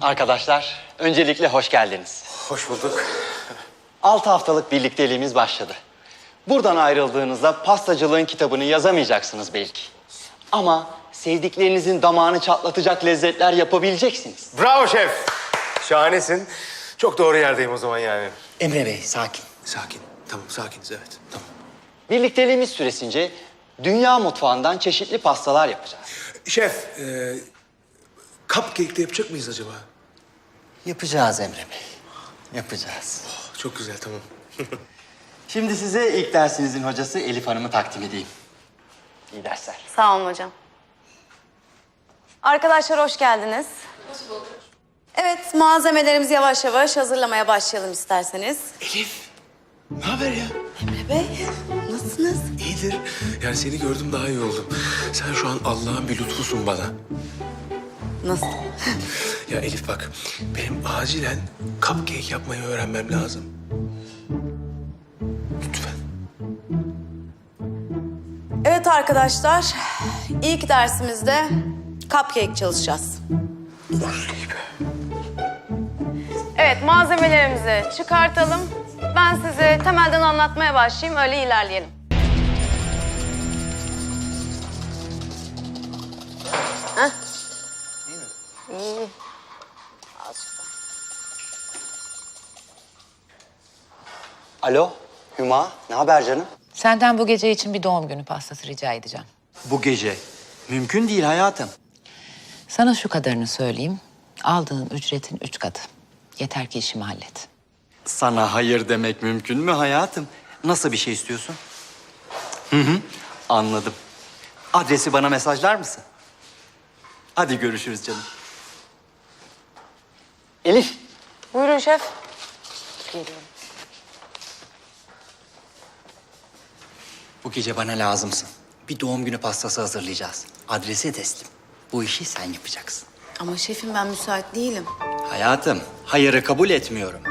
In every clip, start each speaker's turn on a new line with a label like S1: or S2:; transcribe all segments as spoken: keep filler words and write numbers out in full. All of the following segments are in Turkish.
S1: Arkadaşlar, öncelikle hoş geldiniz.
S2: Hoş bulduk.
S1: Altı haftalık birlikteliğimiz başladı. Buradan ayrıldığınızda pastacılığın kitabını yazamayacaksınız belki. Ama sevdiklerinizin damağını çatlatacak lezzetler yapabileceksiniz.
S2: Bravo şef. Şahanesin. Çok doğru yerdeyim o zaman yani.
S1: Emre Bey, sakin.
S2: Sakin. Tamam, sakiniz evet. Tamam.
S1: Birlikteliğimiz süresince dünya mutfağından çeşitli pastalar yapacağız.
S2: Şef, e, cupcake de yapacak mıyız acaba?
S1: Yapacağız Emre Bey, yapacağız.
S2: Oh, çok güzel, tamam.
S1: Şimdi size ilk dersinizin hocası Elif Hanım'ı takdim edeyim. İyi dersler.
S3: Sağ olun hocam. Arkadaşlar hoş geldiniz. Hoş bulduk. Evet, malzemelerimizi yavaş yavaş hazırlamaya başlayalım isterseniz.
S2: Elif, ne haber ya?
S3: Emre Bey, nasılsınız?
S2: İyidir. Yani seni gördüm daha iyi oldum. Sen şu an Allah'ın bir lütfusun bana.
S3: Nasıl?
S2: Ya Elif bak, benim acilen cupcake yapmayı öğrenmem lazım. Lütfen.
S3: Evet arkadaşlar, ilk dersimizde cupcake çalışacağız.
S2: Olur gibi.
S3: Evet, malzemelerimizi çıkartalım. Ben size temelden anlatmaya başlayayım, öyle ilerleyelim. Heh. İyi mi? İyi. Azıcık daha.
S1: Alo, Hüma, ne haber canım?
S4: Senden bu gece için bir doğum günü pastası rica edeceğim.
S1: Bu gece. Mümkün değil hayatım.
S4: Sana şu kadarını söyleyeyim. Aldığın ücretin üç katı. Yeter ki işimi hallet.
S1: Sana hayır demek mümkün mü hayatım? Nasıl bir şey istiyorsun? Hı hı, anladım. Adresi bana mesajlar mısın? Hadi görüşürüz canım. Elif.
S3: Buyurun şef. Geliyorum.
S1: Bu gece bana lazımsın. Bir doğum günü pastası hazırlayacağız. Adresi teslim. Bu işi sen yapacaksın.
S3: Ama şefim ben müsait değilim.
S1: Hayatım, hayırı kabul etmiyorum.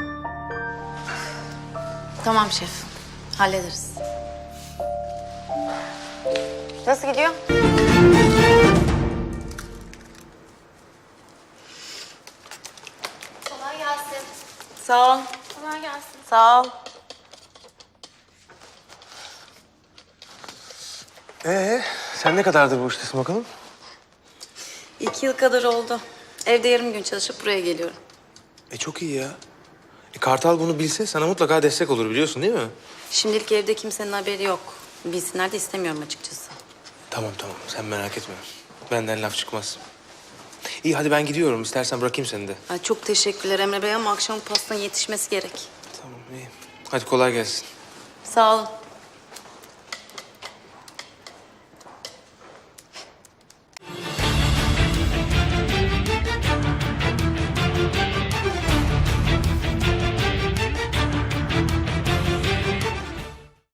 S3: Tamam şef, hallederiz. Nasıl gidiyor?
S5: Kolay gelsin.
S3: Sağ ol.
S5: Kolay gelsin.
S3: Sağ ol.
S2: Ee, sen ne kadardır bu iştesin bakalım?
S3: İki yıl kadar oldu. Evde yarım gün çalışıp buraya geliyorum.
S2: E çok iyi ya. E, Kartal bunu bilse sana mutlaka destek olur biliyorsun değil mi?
S3: Şimdilik evde kimsenin haberi yok. Bilsinler de istemiyorum açıkçası.
S2: Tamam tamam sen merak etme. Benden laf çıkmaz. İyi hadi ben gidiyorum. İstersen bırakayım seni de.
S3: Ay, çok teşekkürler Emre Bey ama akşam pastanın yetişmesi gerek.
S2: Tamam iyi. Hadi kolay gelsin.
S3: Sağ olun.